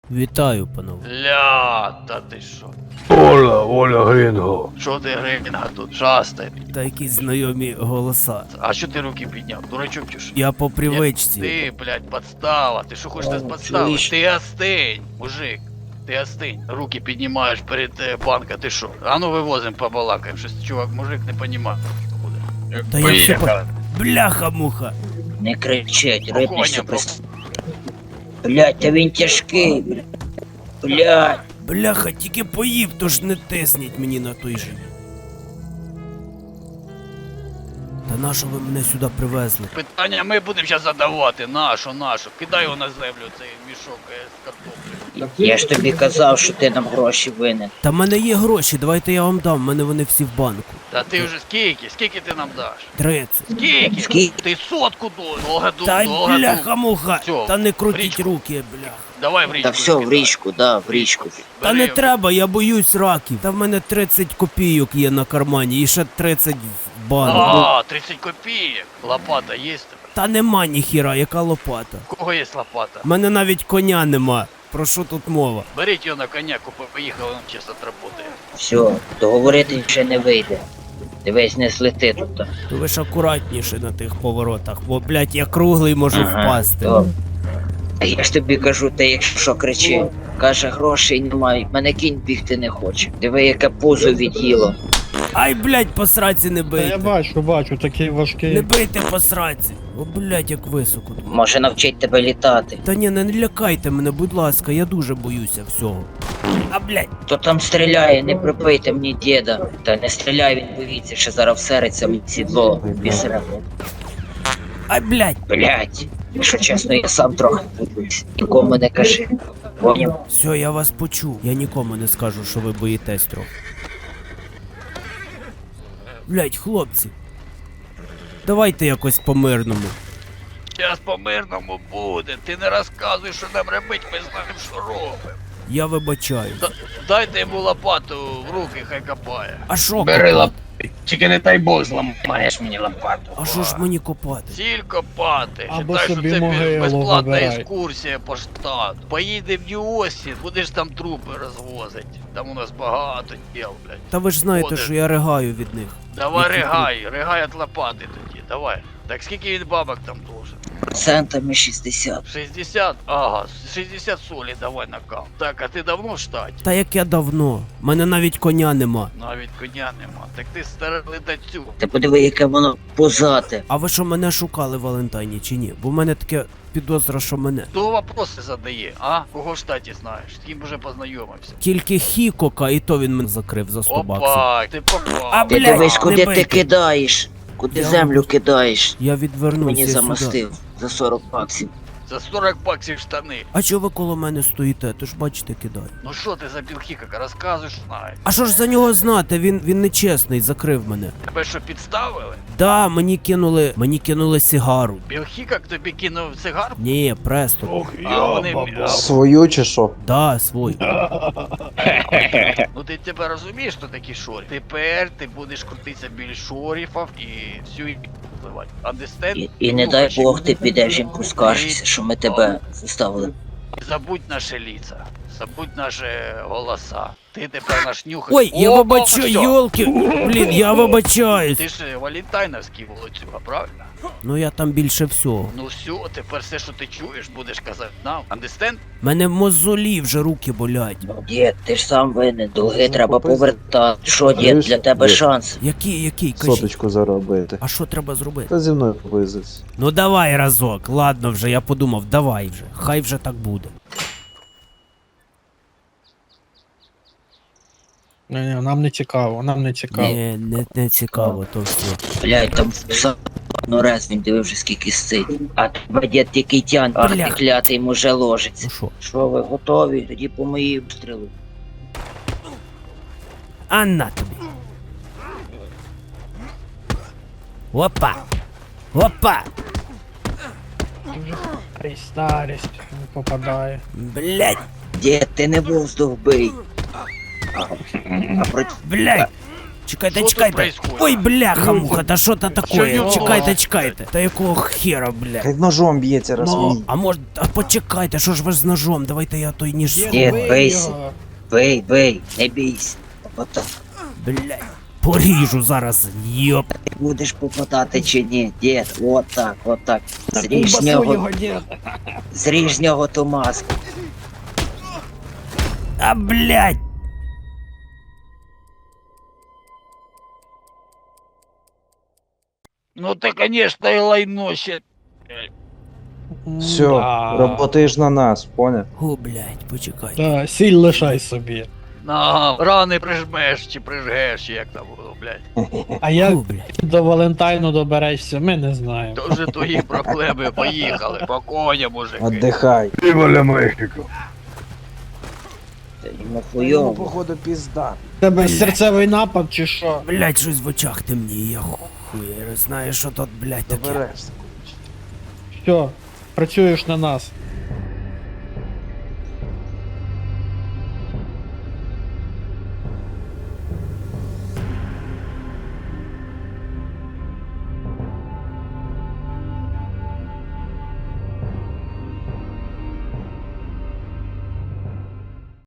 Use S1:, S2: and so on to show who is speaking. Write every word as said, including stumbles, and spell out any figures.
S1: Вітаю, панове.
S2: Ля, та ти що?
S3: Оля, Оля Грінго.
S2: Що ти гринга тут? Шастай.
S1: Та якісь знайомі голоса.
S2: А що ти руки підняв? Дурачок чи що?
S1: Я по привичці.
S2: Ти, блядь, подстава. Ти що хочеш
S4: О,
S2: з подстави?
S4: чуєш?
S2: Ти остинь, мужик. Ти остинь. Руки піднімаєш перед е, банка, ти що? А ну вивозим, побалакаємо. Щось чувак, мужик не понімає.
S1: Та я все по... Бляха-муха.
S4: Не кричать, рипнешся
S2: Спокійно,
S4: при... Блять, та він тяжкий, блядь. Блять.
S1: Бляха, тільки поїв, тож не тисніть мені на той живіт. Та нащо ви мене сюди привезли?
S2: Питання ми будемо зараз задавати. Нашу, нашу. Кидай його на землю, цей мішок е, з картоплею.
S4: Я ж тобі казав, що ти нам гроші винен.
S1: Та в мене є гроші, давайте я вам дам, в мене вони всі в банку.
S2: Та ти вже скільки? Скільки ти нам даш?
S1: Тридцять.
S2: Скільки?
S4: Скільки?
S2: Ти сотку до. Довго ду,
S1: Та
S2: довго ду.
S1: бляха-муха.
S2: Всьо,
S1: Та не
S2: в
S1: крутіть
S2: річку.
S1: руки, бляха.
S2: Давай в річку.
S4: Та все, в
S2: скидай.
S4: річку, да, в річку.
S1: Та
S2: Бери
S1: не
S2: його.
S1: треба, я боюсь раків. Та в мене тридцять копійок є на кармані і ще тридцять в банку.
S2: А, тридцять копійок. Лопата є в тебе?
S1: Та нема ніхіра, яка лопата.
S2: У кого є лопата?
S1: В мене навіть коня нема. Про що тут мова?
S2: Беріть його на коня, купи, поїхали, він чисто отработає.
S4: Все, договорити вже не вийде. Дивись, не злети тут.
S1: То ви ж акуратніше на тих поворотах, бо, блядь, я круглий можу впасти.
S4: добре. А я ж тобі кажу, ти якщо що кричи. Каже, грошей немає, мене кінь бігти не хоче. Диви, яке пузо від'їло.
S1: Ай, блядь, по сраці не
S5: Та я
S1: бийте.
S5: бачу, бачу, такий
S1: Не
S5: важкий.
S1: бийте по сраці. О, блядь, як високо тут.
S4: Може навчить тебе літати.
S1: Та ні, не лякайте мене, будь ласка, я дуже боюся всього. А, блядь,
S4: Хто там стріляє, не припийте мені діда. Та не стріляй, він боїться, що зараз всериться мені сідло бісере.
S1: ай, блядь.
S4: Блять, якщо чесно, я сам трохи боюсь. Нікому не кажи. Поняв?
S1: Все, я вас почув. Я нікому не скажу, що ви боїтесь трохи. Блядь, хлопці. Давайте якось по-мирному.
S2: Зараз по-мирному буде. Ти не розказуй, що нам робити, ми знаємо, що робимо.
S1: Я вибачаю.
S2: Д- Дайте йому лопату в руки, хай копає.
S1: А що
S3: Бери
S1: копати?
S3: лап. Тільки не дай Бог зламаєш мені лопату.
S1: А що ж мені копати?
S2: Ціль копати.
S5: Або
S2: Считай, що
S5: собі
S2: це
S5: могилу
S2: безплатна
S5: вибирай.
S2: екскурсія по штату. Поїдемо в Нью-Остін, будеш там трупи розвозити. Там у нас багато діл, блядь.
S1: Та ви ж знаєте,
S2: Ходиш.
S1: що я ригаю від них.
S2: Давай
S1: Які
S2: ригай, ригай от лопати тоді, давай. Так скільки він бабок там должен?
S4: Процентами шістдесят.
S2: шістдесят? Ага, шістдесят солі давай на кам. Так, а ти давно в штаті?
S1: Та як я давно. Мене навіть коня нема.
S2: Навіть коня нема. Так ти старий ледацю.
S4: Ти подиви, яке воно позате.
S1: А ви що мене шукали в Валентайні чи ні? Бо в мене таке підозра, що мене.
S2: Хто вопроси задає, а? Кого в штаті знаєш? З ким вже познайомився?
S1: Тільки Хікока, і то він мене закрив за сто баксів.
S2: Опа, ти попав.
S1: А,
S4: Ти
S1: блядь,
S4: дивись,
S1: не
S4: куди ти
S1: бийте.
S4: кидаєш. Куди
S1: Я
S4: землю
S1: вам-
S4: кидаєш.
S1: Я відвернувся
S4: Мені
S1: сюди.
S4: замостив за сорок баксів.
S2: За сорок баксів штани.
S1: А чого ви коло мене стоїте? То ж бачите, кидаю.
S2: Ну що ти за білхікака, розказуєш, знаєш.
S1: А що ж за нього знати? Він він нечесний, закрив мене.
S2: Тебе що підставили?
S1: Да, мені кинули. Мені кинули сигару.
S2: Білхікак тобі кинув цигарку?
S1: Ні, престо.
S3: Ох,
S2: А вони... а,
S6: Свою чи що?
S1: Да, свой.
S2: Ну ти тепер розумієш, що такі шорі? Тепер ти будеш крутитися біля шоріфів і всю і впливати. Understand?
S4: І, і не дай Бог ти підеш їм поскаржишся, що ми тебе заставили.
S2: Забудь наші лица, забудь наші голоса. Ти тепер наш нюхач.
S1: Ой, я
S2: О,
S1: вибачаю,
S2: що?
S1: йолки. Блін, я вибачаюсь.
S2: Ти ж валентайновський волоцюга, правильно?
S1: Ну я там більше всього.
S2: Ну все, тепер все, що ти чуєш, будеш казати нам. Understand?
S1: Мене мозолі вже руки болять.
S4: Дід, ти ж сам винен, долги треба
S6: попизди.
S4: повертати. Що, дід, для тебе
S6: Дід.
S4: шанс.
S1: Який, який, кажіть.
S6: Соточку заробити.
S1: А що треба зробити?
S6: Та зі мною попиздись.
S1: Ну давай разок, ладно вже, я подумав, давай вже. Хай вже так буде.
S5: Ні, ні, нам не цікаво, нам не цікаво.
S1: Ні, не, не цікаво, то все.
S4: Блядь, там сам ну раз він дивив вже скільки сцить. А тебе дід тільки тян, ах
S1: Бля.
S4: ти клятий йому вже ложиться.
S1: Ну що?
S4: Що ви готові? Тоді по моїй стрілу.
S1: А на тобі. Опа! Опа!
S5: Ай, старість, не попадає.
S1: Блять!
S4: Дід, ти не воздух бий. А, а про...
S1: Блять! Чекайте,
S2: Що тут
S1: чекайте.
S2: происходит?
S1: Ой, бляха, муха, та що то такое?
S2: Що
S1: Чекайте,
S2: його?
S1: чекайте. Та якого хера, блядь?
S6: Хай ножом б'ється раз
S1: Ну,
S6: мені.
S1: а може, а почекайте, що ж ви з ножом? Давайте я той ніж
S5: Дід,
S4: Дід,
S5: бий
S4: бийся.
S5: його.
S4: Бий, бий, не бійся. Потом
S1: Блядь. Поріжу зараз, йоп.
S4: ти будеш попадати чи ні, дід, от так, от так. Зріж з
S5: Басуй
S4: нього,
S5: його, дід.
S4: зріж з нього ту маску.
S1: А, блядь.
S2: Ну ти, конечно, і лайно ще.
S6: Все,
S5: Да.
S6: работаєш на нас, поняв?
S1: О, блядь, почекайте.
S5: Да, сіль лишай собі.
S2: На, рани прижмеш чи прижгеш, чи як там було, блядь.
S5: А як
S1: О, блядь.
S5: ти до Валентайну доберешся, ми не знаємо.
S2: То вже твої проблеми, поїхали, по коням, мужики.
S6: Отдихай.
S4: Та йому хуйово.
S6: походу пізда.
S5: Тебе серцевий напад чи що?
S1: Блядь, щось в очах темніє, я хуй знаю, що тут, блядь, таке.
S6: Доберешся.
S5: Що, працюєш на нас?